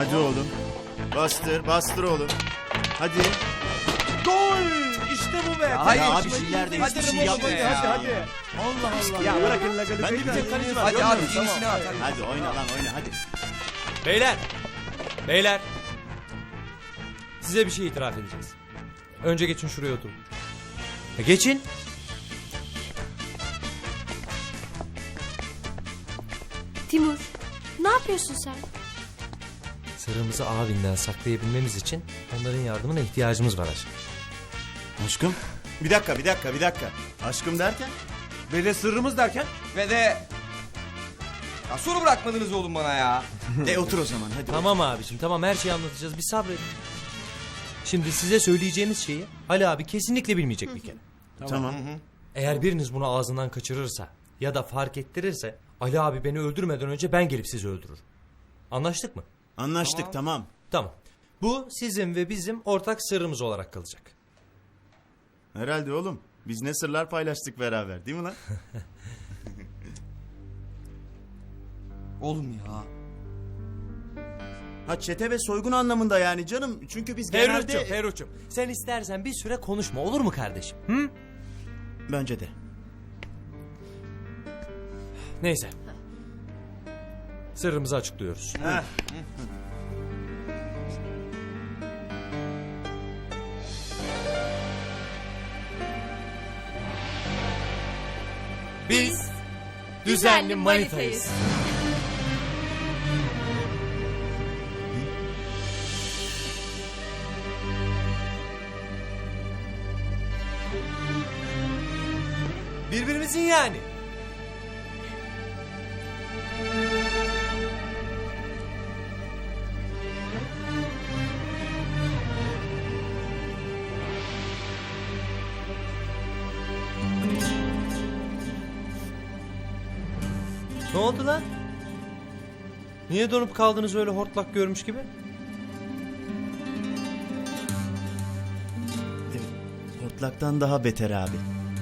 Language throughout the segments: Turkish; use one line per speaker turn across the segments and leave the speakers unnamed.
Hadi oğlum. Bastır, bastır oğlum. Hadi.
Gol! İşte bu be.
hayır,
Ya abi
hiçbir
ileride
şey
hiçbir şey
değil.
yapmayın.
Hadi.
Allah Allah.
Ya bırakın
Ben de bir tek kaleci var.
Hadi
görmüyor
abi
musun?
yenisini at.
Hadi oyna lan oyna hadi.
Beyler. Size bir şey itiraf edeceğiz. Önce geçin şuraya oturun. Geçin.
Timur, ne yapıyorsun sen?
Sırrımızı abinden saklayabilmemiz için onların yardımına ihtiyacımız var aşkım.
Aşkım. Bir dakika. Aşkım derken?
Ve de sırrımız derken?
Ve de... Ya soru bırakmadınız oğlum bana ya.
Otur o zaman hadi.
Tamam abiciğim, tamam, her şeyi anlatacağız, bir sabredin. Şimdi size söyleyeceğimiz şeyi Ali abi kesinlikle bilmeyecek bir kere.
Tamam.
Eğer biriniz bunu ağzından kaçırırsa ya da fark ettirirse Ali abi beni öldürmeden önce ben gelip sizi öldürürüm. Anlaştık mı?
Anlaştık tamam.
Tamam. Bu sizin ve bizim ortak sırrımız olarak kalacak.
Herhalde oğlum. Biz ne sırlar paylaştık beraber değil mi lan?
Oğlum ya.
Ha çete ve soygun anlamında yani canım. Çünkü biz genelde...
Ferruh'cum, sen istersen bir süre konuşma, olur mu kardeşim? Hı?
Bence de.
Neyse. Sırrımızı açıklıyoruz. Biz düzenli manitayız. Birbirimizin yani. Ne oldu lan? Niye donup kaldınız öyle hortlak görmüş gibi?
Hortlaktan daha beter abi.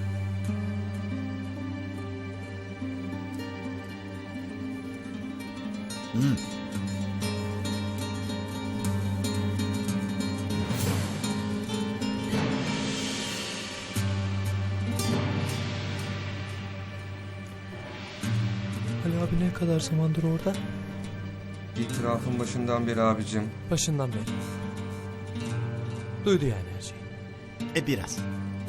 Ali abi ne kadar zamandır orada?
İtirafın başından beri abicim.
Başından beri. Duydu yani her şeyi.
Biraz.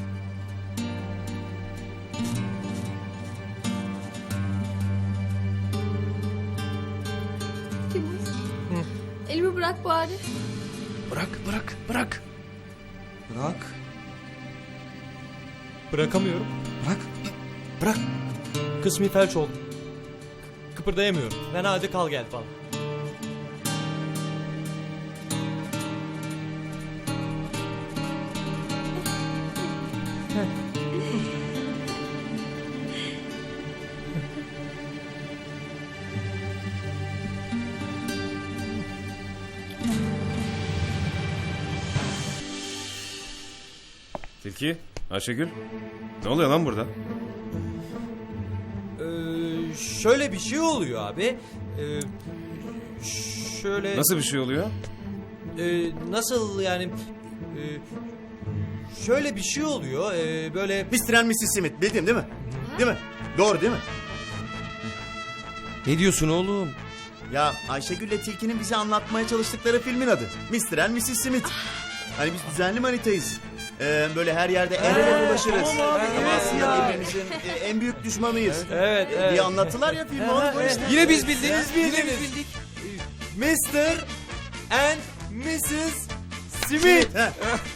Timur, elimi bırak bari.
Bırak.
Bırak.
Bırakamıyorum.
Bırak.
Kısmi felç oldum. Kıpırdayamıyorum. Ben hadi kal gel falan.
Tilki, Ayşegül. Ne oluyor lan burada?
Şöyle bir şey oluyor abi. Şöyle...
Nasıl bir şey oluyor?
Nasıl yani... şöyle bir şey oluyor. Böyle...
Mr. and Mrs. Smith bildim değil mi? Değil mi? Doğru değil mi?
Ne diyorsun oğlum?
Ya Ayşegül'le Tilki'nin bize anlatmaya çalıştıkları filmin adı. Mr. and Mrs. Smith. Hani biz düzenli manitayız. Böyle her yerde el ele dolaşırız.
tamam abi,
Ama
evet
aslında
ya.
birbirimizin en büyük düşmanıyız.
Evet.
Diye anlattılar ya filmi. Onu işte.
Yine biz bildik.
Yine biz bildik. Mr. and Mrs. Smith.
He.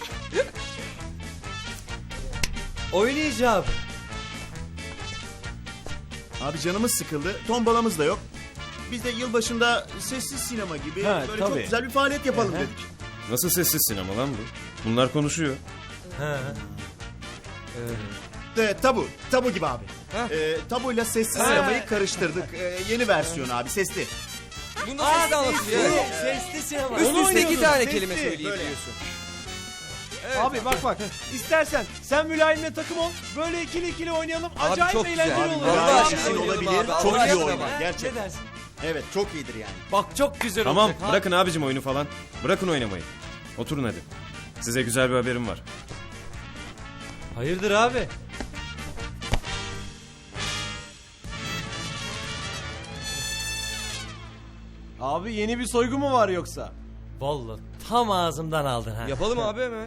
Oynayacağım.
Abi canımız sıkıldı. Tombalamız da yok. Biz de yılbaşında sessiz sinema gibi böyle çok güzel bir faaliyet yapalım dedik.
Nasıl sessiz sinema lan bu? Bunlar konuşuyor.
Ha.
Tabu gibi abi. Tabuyla sessiz sinemayı karıştırdık. Yeni versiyon abi sesli.
Bunu da sesli anlatılıyor.
Sesli sinema.
Üst üste 2 tane
Sesli,
kelime söyleyeyim
böyle.
diyorsun.
Abi bak. İstersen sen Mülayim'le takım ol. Böyle ikili oynayalım.
Abi
Acayip
çok güzel.
eğlenceli
Abi,
olur.
vallahi
Vallahi
şey
şey
oynayalım
olabilir.
abi.
Çok iyi
Oynayalım
oynar
ama.
gerçekten.
Ne dersin?
Evet çok iyidir yani.
Bak çok güzel
Tamam
olacak. ha.
bırakın abicim oyunu falan. Bırakın oynamayı. Oturun hadi. Size güzel bir haberim var.
Hayırdır abi?
Abi yeni bir soygu mu var yoksa?
Vallahi tam ağzımdan aldın ha.
Yapalım abi hemen.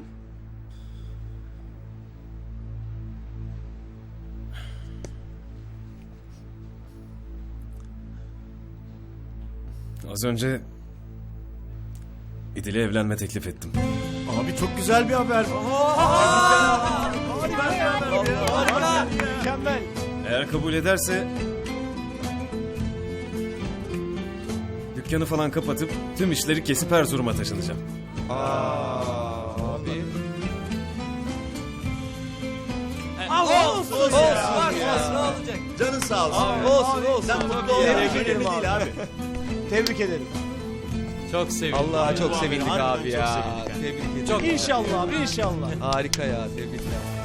Az önce İdil'e evlenme teklif ettim.
Abi çok güzel bir haber.
Mükemmel.
Eğer kabul ederse dükkanı falan kapatıp tüm işleri kesip Erzurum'a taşınacağım.
Abi.
Olsun
Canın sağ olsun.
olsun.
Sen mutlu ol.
Tebrik
Önemli
ederim
değil abi.
Tebrik ederim.
Çok sevindim.
Allah çok sevindik
harbiden
abi
çok
ya.
sevindik.
Tebrik ederim.
İnşallah abi inşallah.
Harika ya tebrikler.